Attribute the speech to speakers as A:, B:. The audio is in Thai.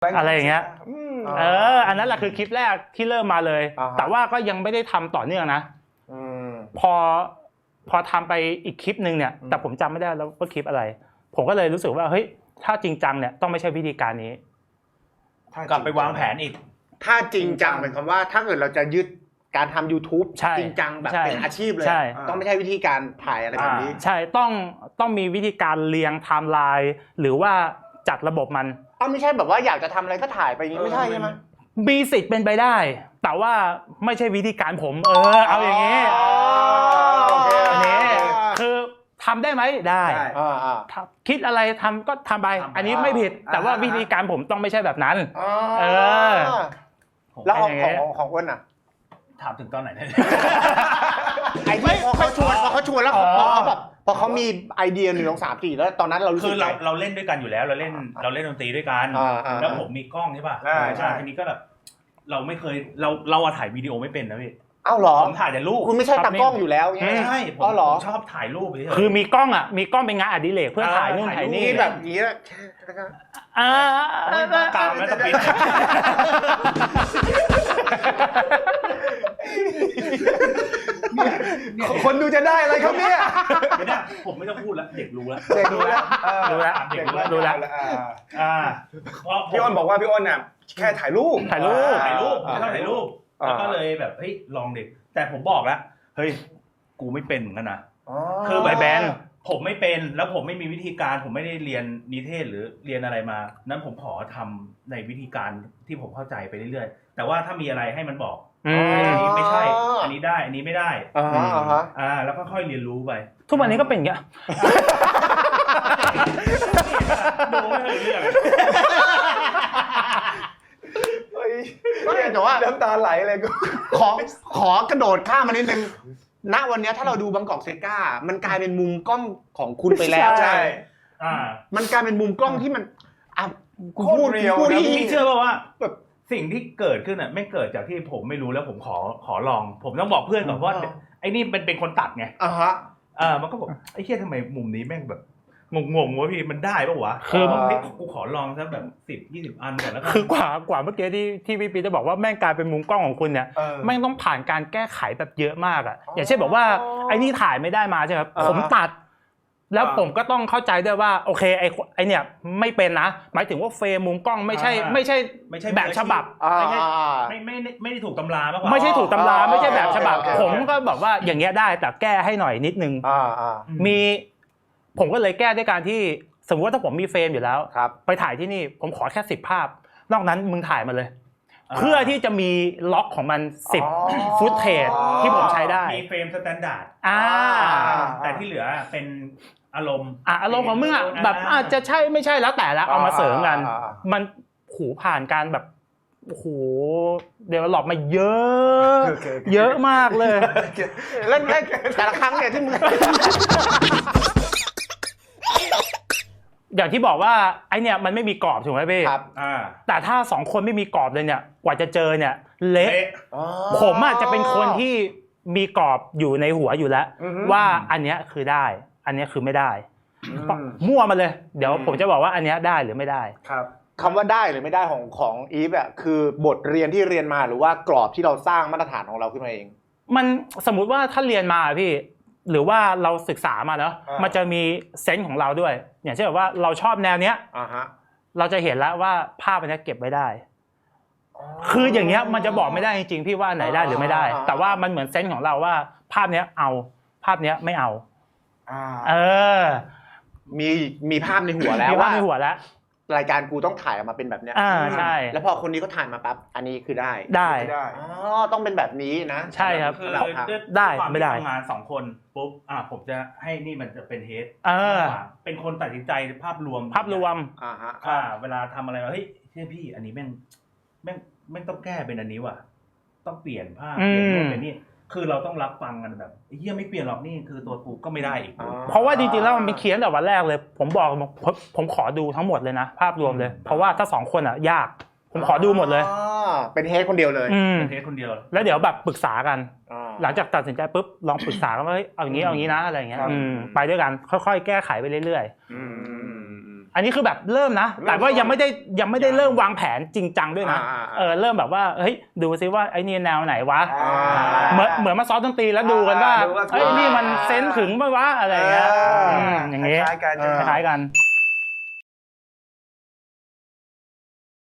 A: อะไรอย่างเงี้ยอันนั้นแหละคือคลิปแรกที่เริ่มมาเลยแต่ว่าก็ยังไม่ได้ทำต่อเนื่องนะพอทำไปอีกคลิปนึงเนี่ยแต่ผมจำไม่ได้แล้วว่าคลิปอะไรผมก็เลยรู้สึกว่าเฮ้ยถ้าจริงจังเนี่ยต้องไม่ใช่วิธีการนี้
B: กลับไปวางแผนอีก
C: ถ้าจริงจังหมายความว่าถ้าเกิดเราจะยึดการทำ YouTube จริงจังแบบเป็นอาชีพเลยต้องไม่ใช่วิธีการถ่ายอะไรแบบนี้
A: ใช่ต้องมีวิธีการเรียงไทม์ไลน์หรือว่าจัดระบบมัน
C: ไม่ใช่แบบว่าอยากจะทำอะไรก็ถ่ายไปอย่างนี้ไม่ใช่ใช่ไหม
A: มีสิทธิ์เป็นไปได้แต่ว่าไม่ใช่วิธีการผมเอาอย่างนี้อันนี้คือทำได้ไหมได้คิดอะไรทำก็ทำไปอันนี้ไม่ผิดแต่ว่าวิธีการผมต้องไม่ใช่แบบนั้น
C: แล้วของอ้วนอ่ะ
B: ถามถึงตอนไหนเนี่ย
C: ไอ้ที่พอเขาชวนแล้วพอเขามีไอเดีย1 2 3 4แล้วตอนนั้นเรารู้สึก
B: เราเล่นด้วยกันอยู่แล้วเราเล่นดนตรีด้วยกันแล้วผมมีกล้องใช่ป่ะใช่ทีนี้ก็แบบเราไม่เคยเราถ่ายวิดีโอไม่เป็นนะพี่
C: อ้าวเหรอ
B: ผมถ่ายแต่รูป
C: คุณไม่ใช่ตากล้องอยู่แล้ว
B: ไม่ใช่ผมชอบถ่ายรูป
A: คือมีกล้องเป็นงานอดิเรกเพื่อถ่ายนู่นถ่ายนี่
C: แบบนี้
B: ตามแล้วตะปิด
C: คนดูจะได้อะไรครับเนี่ย
B: ผมไม่ต้องพูดแล้วเด็กรู้แล้ว
D: พี่อ้นบอกว่าพี่อ้นน่ะแค่ถ่ายรูป
B: แล้วก็เลยแบบเฮ้ยลองดิแต่ผมบอกแล้วเฮ้ยกูไม่เป็นเหมือนกันนะคือแบบแบนผมไม่เป็นแล้วผมไม่มีวิธีการผมไม่ได้เรียนนิเทศหรือเรียนอะไรมานั้นผมขอทำในวิธีการที่ผมเข้าใจไปเรื่อยๆแต่ว่าถ้ามีอะไรให้มันบอกอันนี้ไม่ใช่อันนี้ได้อันนี้ไม่ได้แล้วก็ค่อยเรียนรู้ไป
A: ทุกวันนี้ก็เป็นอย่างเงี้ย
B: ดูไม่เคยเรื่อง
C: แต่ว่า
D: น้ำตาไหลเลย
C: ขอกระโดดข้ามมานิดนึงณวันนี้ถ้าเราดูบางกอกเซก้ามันกลายเป็นมุมกล้องของคุณไปแล้วใช่มันกลายเป็นมุมกล้องที่มัน
D: พูดเรียวนะ
B: พี่เชื่อป่ะว่าแบบสิ่งที่เกิดขึ้นอ่ะไม่เกิดจากที่ผมไม่รู้แล้วผมขอลองผมต้องบอกเพื่อนก่อนว่าไอ้นี่เป็นคนตัดไงมันก็บอกไอ้เหี้ยทำไมมุมนี้แม่งแบบงงวะพี่มันได้ป่ะวะคือกูขอลองสักแบบ10-20 อันก่อนแล้ว
A: คือกว่าเมื่อกี้ที่พี่ปีจะบอกว่าแม่งกลายเป็นมุมกล้องของคุณเนี่ยแม่งต้องผ่านการแก้ไขแบบเยอะมากอ่ะอย่างเช่นบอกว่าไอ้นี่ถ่ายไม่ได้มาใช่ไหมผมตัดแล้วผมก็ต้องเข้าใจด้วยว่าโอเคไอ้เนี่ยไม่เป็นนะหมายถึงว่าเฟรมมุมกล้องไม่ใช่แบบฉบับ
B: ไม่ได้ถูกตำราป่ะ
A: ไม่ใช่ถูกตำราไม่ใช่แบบฉบับผมก็บอกว่าอย่างเงี้ยได้แต่แก้ให้หน่อยนิดนึงผมก็เลยแก้ด้วยการที่สมมติว่าถ้าผมมีเฟรมอยู่แล้วไปถ่ายที่นี่ผมขอแค่10 ภาพนอกนั้นมึงถ่ายมาเลยเพื่อที่จะมีล็อกของมัน10 ฟุตเทจที่ผมใช้ได้
B: มีเฟรมสแตนดาร์ดแต่ที่เหลือเป็นอารมณ์
A: ของมึงอ่ะแบบอาจจะใช่ไม่ใช่แล้วแต่ละเอามาเสริมกันมันผ่านการแบบโอ้โหเดเวลลอปมาเยอะมากเลย
C: แล้วแต่ละครั้งเนี่ยที่มึง
A: อย่างที่บอกว่าไอเนี่ยมันไม่มีกรอบถูกไหมพี่
C: ครับ
A: แต่ถ้า2 คนไม่มีกรอบเลยเนี่ยกว่าจะเจอเนี่ยเละผมอาจจะเป็นคนที่มีกรอบอยู่ในหัวอยู่แล้วว่าอันเนี้ยคือได้อันเนี้ยคือไม่ได้มั่วมาเลยเดี๋ยวผมจะบอกว่าอันเนี้ยได้หรือไม่ได้
C: ครับคำว่าได้หรือไม่ได้ของอีฟอ่ะคือบทเรียนที่เรียนมาหรือว่ากรอบที่เราสร้างมาตรฐานของเราขึ้นมาเอง
A: มันสมมุติว่าถ้าเรียนมาพี่หรือว่าเราศึกษามาเนาะมันจะมีเซนส์ของเราด้วยอย่างเช่นแบบว่าเราชอบแนวเนี้ยเราจะเห็นแล้วว่าภาพอันนี้เก็บไว้ได้คืออย่างเงี้ยมันจะบอกไม่ได้จริงๆพี่ว่าไหนได้หรือไม่ได้แต่ว่ามันเหมือนเซนส์ของเราว่าภาพเนี้ยเอาภาพเนี้ยไม่เอา
C: มีภาพในหัวแล้ว
A: ว่าในหัวแล้ว
C: รายการกูต้องถ่ายออกมาเป็นแบบเนี้ย
A: ใช่
C: แล้วพอคนนี้ก็ถ่ายมาปั๊บอันนี้คือได้ต้องเป็นแบบนี้นะ
A: ใช่ครับ
B: คือ
A: ได้ไม่ได้
B: ทำงาน2 คนปุ๊บผมจะให้นี่มันจะเป็นเฮดเป็นคนตัดสินใจภาพรวมเวลาทำอะไรว่าเฮ้ยเชื่อพี่อันนี้แม่งต้องแก้เป็นอันนี้ว่ะต้องเปลี่ยนภาพเปลี่ยนรูปเป็นนี่คือเราต้องรับฟังกันแบบเฮียไม่เปลี่ยนหรอกนี่คือตัวกูก็ไม่ได้อีก
A: เพราะว่าจริงๆแล้วมันเป็นเขียนแต่วันแรกเลยผมขอดูทั้งหมดเลยนะภาพรวมเลยเพราะว่าถ้า2 คนยากผมขอดูหมดเลย
C: เป็นเฮดคนเดียวเลย
B: เป็นเฮดคนเดียว
A: แล้วเดี๋ยวแบบปรึกษากันหลังจากตัดสินใจปุ๊บลองปรึกษากันว่าเอาอย่างนี้นะอะไรอย่างเงี้ยไปด้วยกันค่อยๆแก้ไขไปเรื่อยอันนี้คือแบบเริ่มนะแต่ว่ายังไม่ได้เริ่มวางแผนจริงจังด้วยนะเริ่มแบบว่าเฮ้ยดูซิว่าไอ้นี่แนวไหนวะเหมือนมาซ้อมดนตรีแล้วดูกันว่าเฮ้ยนี่มันเซนส์ถึงป่ะวะอะไรอย่างเงี้ยอย่างเงี้ยคล้ายกัน